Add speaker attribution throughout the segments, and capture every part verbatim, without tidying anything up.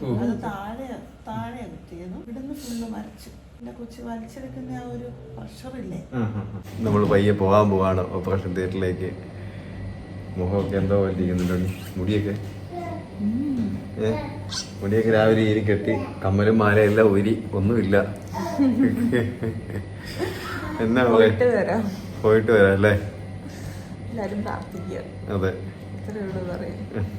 Speaker 1: അത് താഴെ താഴെ കുത്തിയതും ഇവിടുന്ന് ഫുള്ള് മരച്ചു. എന്റെ കൊച്ചു വലിച്ചെടുക്കുന്ന ആ ഒരു പ്രഷറില്ലേ.
Speaker 2: നമ്മൾ പയ്യെ പോകാൻ പോവാണ് ഓപ്പറേഷൻ തിയേറ്ററിലേക്ക്. മുഖമൊക്കെ എന്തോ വലിക്കുന്നുണ്ട്. മുടിയൊക്കെ ഏ മുടിയൊക്കെ രാവിലെ ഈരി കെട്ടി, കമ്മലും മാലയെല്ലാം ഊരി, ഒന്നുമില്ല. എന്നാ
Speaker 1: പോയിട്ട് വരാം
Speaker 2: പോയിട്ട് വരാം അല്ലേ?
Speaker 1: എല്ലാരും പ്രാർത്ഥിക്കുക.
Speaker 2: അതെ,
Speaker 1: ഇത്രയേ ഉള്ളൂ പറയാൻ.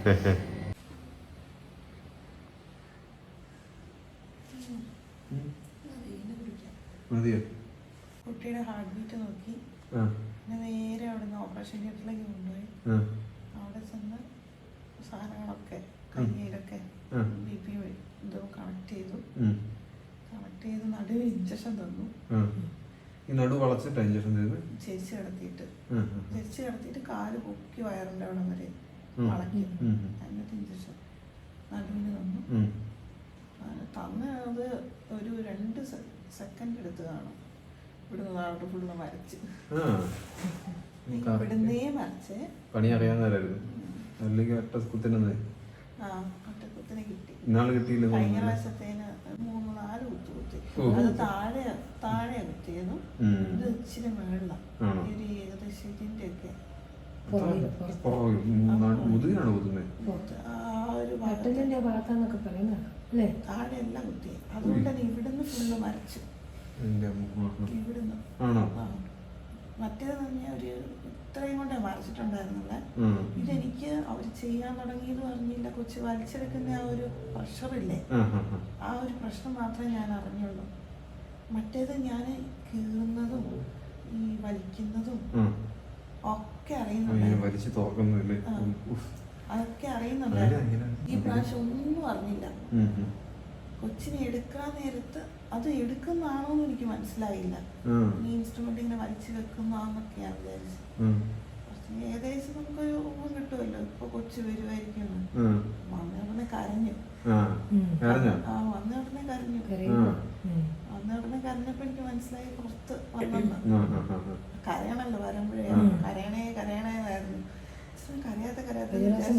Speaker 2: മതിയോ?
Speaker 1: കുട്ടിയുടെ ഹാർട്ട് ബീറ്റ് നോക്കി പിന്നെ നേരെ അവിടെ നിന്ന് ഓപ്പറേഷൻ തിയേറ്ററിലേക്ക് കൊണ്ടുപോയി. അവിടെ ചെന്ന് സാധനങ്ങളൊക്കെ കയ്യിലൊക്കെ ബി പി എന്തോ കണക്ട് ചെയ്തു. കണക്ട് ചെയ്ത് നടുവിൽ ഇഞ്ചക്ഷൻ തന്നു.
Speaker 2: നടു വളച്ചിട്ട് ഇഞ്ചക്ഷൻ ചെയ്ത്
Speaker 1: ചെരിച്ച് കിടത്തിയിട്ട് ചെരിച്ച് കിടത്തിയിട്ട് കാല് പൊക്കി വയറിൻ്റെ അവിടെ വരെ വളക്കി. എന്നിട്ട് ഇഞ്ചക്ഷൻ നടുവിന് തന്നു. തന്നത് ഒരു രണ്ട് സെക്കൻഡ് എടുത്ത് കാണും. ഇവിടുന്ന് താഴോട്ട് ഫുള്ള് മരച്ച് ഇവിടുന്നേ മരച്ചേ. പണി അറിയാവുന്നവരായിരുന്നു അല്ലെങ്കിൽ ഒറ്റ കുത്തിനെ ആ ഒറ്റ കുത്തിനെ കിട്ടി. കിട്ടിയില്ല. കഴിഞ്ഞ പ്രാവശ്യത്തേന് മൂന്ന് നാല് കുത്തു കുത്തി. അത് താഴെ താഴെ കുത്തിയതും ഇത് ഇച്ചിരി മേളിലാണ്. ഒരു ഏകദേശം ഇതിന്റെ ഒക്കെ താഴെ എല്ലാം കുത്തി. അതുകൊണ്ട് തന്നെ ഇവിടുന്ന് ഫുള്ള് മരച്ചു. ഇവിടുന്ന് മറ്റേത് തന്നെ ഒരു ഇത്രയും കൊണ്ടേ മരച്ചിട്ടുണ്ടായിരുന്നില്ല. ഇതെനിക്ക് അവർ ചെയ്യാൻ തുടങ്ങിയെന്ന് പറഞ്ഞില്ല. കൊച്ചു വലിച്ചെടുക്കുന്ന ആ ഒരു പ്രഷറില്ലേ, ആ ഒരു പ്രശ്നം മാത്രമേ ഞാൻ അറിഞ്ഞുള്ളൂ. മറ്റേത് ഞാൻ കീറുന്നതും ഈ വലിക്കുന്നതും ഒക്കെ അറിയുന്നുണ്ട്. അതൊക്കെ അറിയുന്നുണ്ടായിരുന്നു. ഈ പ്രാവശ്യം ഒന്നും അറിഞ്ഞില്ല. കൊച്ചിനെ എടുക്കാൻ നേരത്ത് അത് എടുക്കുന്നതാണോന്ന് എനിക്ക് മനസ്സിലായില്ല. ഈ ഇൻസ്ട്രുമെന്റ് ഇങ്ങനെ വലിച്ചു വെക്കുന്നതാന്നൊക്കെയാണ് വിചാരിച്ചത്. ഏകദേശം നമുക്കൊരു ഊഹം കിട്ടുമല്ലോ ഇപ്പൊ കൊച്ചു വരുമായിരിക്കും. വന്ന ഉടനെ കരഞ്ഞു. ആ വന്ന ഉടനെ കരഞ്ഞു. വന്ന ഉടനെ കരഞ്ഞപ്പോ എനിക്ക് മനസ്സിലായി പുറത്ത് വന്നെന്ന്. കരയണല്ലോ വരുമ്പോഴേ. കരയണേ കരയണേന്നായിരുന്നു. കരയാത്ത കരയാത്ത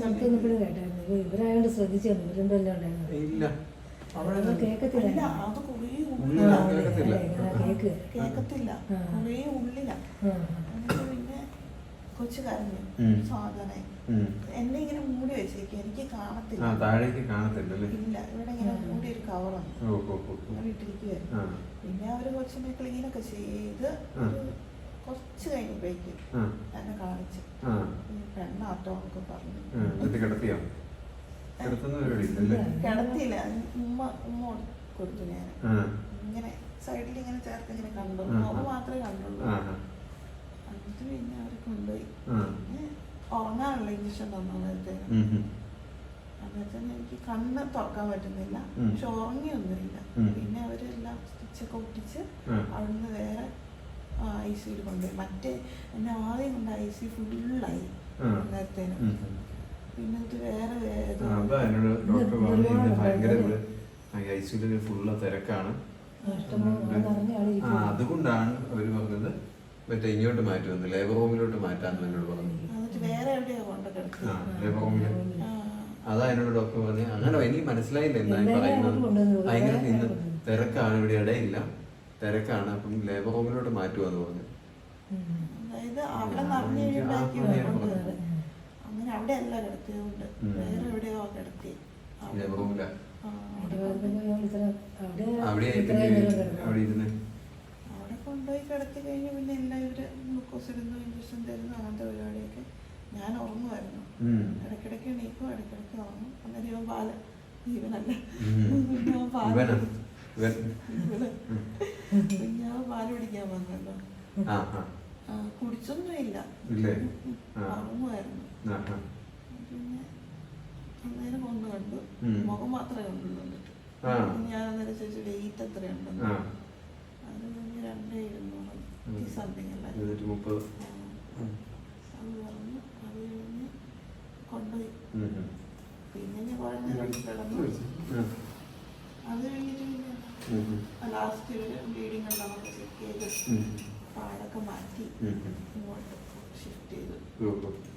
Speaker 3: ഇവരായോണ്ട് ശ്രദ്ധിച്ചു.
Speaker 2: ഇല്ല
Speaker 1: കേക്കത്തില്ല. അത് കുറേ ഉള്ളിലാ. കേക്കത്തില്ല, കുറേ ഉള്ളിലാ. എന്നിട്ട് പിന്നെ കൊച്ചു കരഞ്ഞു. സാധന എന്നെ ഇങ്ങനെ മൂടി വെച്ചേക്ക്. എനിക്ക് കാണത്തില്ല. ഇല്ല, ഇവിടെ ഇങ്ങനെ മൂടി ഒരു കവറുണ്ട് ഇട്ടിരിക്കുവായിരുന്നു. പിന്നെ അവര് കൊച്ചിനെ ക്ലീനൊക്കെ ചെയ്ത് കുറച്ച് കഴിഞ്ഞപ്പോഴേക്കും എന്നെ കാണിച്ചു. പെണ്ണാട്ടോ എന്നൊക്കെ പറഞ്ഞു. കിടത്തിയില്ല. ഉമ്മ ഉമ്മ കൊടുത്തു. ഞാൻ ഇങ്ങനെ സൈഡിൽ ഇങ്ങനെ ചേർത്ത് ഇങ്ങനെ കണ്ടു. മുഖം മാത്രമേ കണ്ടുള്ളൂ. എന്നിട്ട് പിന്നെ അവരെ കൊണ്ടുപോയി. ഉറങ്ങാനുള്ള ഇഞ്ചക്ഷൻ തന്നു. നേരത്തെ അന്നേരത്തെ എനിക്ക് കണ്ണ് തുറക്കാൻ പറ്റുന്നില്ല. പക്ഷെ ഉറങ്ങിയൊന്നുമില്ല. പിന്നെ അവരെല്ലാം സ്റ്റിച്ചൊക്കെ ഒട്ടിച്ച് അവിടുന്ന് വേറെ ഐ സിയിൽ കൊണ്ടുപോയി. മറ്റേ എന്നെ ആദ്യം കൊണ്ട് ഐ സി ഫുള്ളായി നേരത്തേന്. പിന്നെ ഇത് വേറെ
Speaker 2: ഫുള്ള് തിരക്കാണ്. അതുകൊണ്ടാണ് അവര് പറഞ്ഞത് മറ്റേ ഇങ്ങോട്ട് മാറ്റുമെന്ന്, ലേബർ റൂമിലോട്ട് മാറ്റാന്ന് എന്നോട് പറഞ്ഞു. ലേബർ റൂമില് അതാ എന്നോട് ഡോക്ടർ പറഞ്ഞു. അങ്ങനെ എനിക്ക് മനസ്സിലായില്ല എന്തായി പറയുന്നത്. ഭയങ്കര ഇന്ന് തിരക്കാണ്, ഇവിടെ ഇടയില്ല, തിരക്കാണ്, അപ്പം ലേബർ റൂമിലോട്ട് മാറ്റുമെന്ന് പറഞ്ഞു.
Speaker 1: അങ്ങനെ അവിടെ അല്ല കിടത്തിയതുകൊണ്ട് വേറെ എവിടെയോ കിടത്തി. അവിടെ കൊണ്ടുപോയി കിടത്തി കഴിഞ്ഞ് പിന്നെ എല്ലാം ഇവര് ഗ്ലൂക്കോസ് ഇടുന്നു, ഇഞ്ചക്ഷൻ തരുന്നു, അങ്ങനത്തെ പരിപാടിയൊക്കെ. ഞാൻ ഉറങ്ങുമായിരുന്നു. ഇടയ്ക്കിടയ്ക്ക് എണീക്കും, ഇടയ്ക്കിടയ്ക്ക് ഉറങ്ങും. അന്നേരം ഇവൻ പാല ജീവനല്ല പിന്നെ പാല് പിന്നെ പാല് പിടിക്കാൻ വന്നല്ലോ. കുടിച്ചൊന്നും ഇല്ല, ഉറങ്ങുമായിരുന്നു. പിന്നെ അന്നേരം ഒന്ന് കണ്ടു, മുഖം മാത്രമേ കണ്ടുള്ളൂ. ഞാൻ അന്നേരം ചോദിച്ചു വെയിറ്റ് എത്രയുണ്ടെന്ന്. അത് കഴിഞ്ഞ് രണ്ടേ ഇരുന്നൂറ് സംതിങ് അല്ല അത് പറഞ്ഞു. അത് കഴിഞ്ഞ് കൊണ്ടുപോയി. പിന്നെ ഞാൻ കുറെ നേരം കിടന്നു. അത് കഴിഞ്ഞിട്ട് പിന്നെ ലാസ്റ്റ് ഒരു ബ്ലീഡിങ് ഉണ്ടോ ചെക്ക് ചെയ്ത് പാടൊക്കെ മാറ്റി ഇങ്ങോട്ട് ഷിഫ്റ്റ് ചെയ്തു.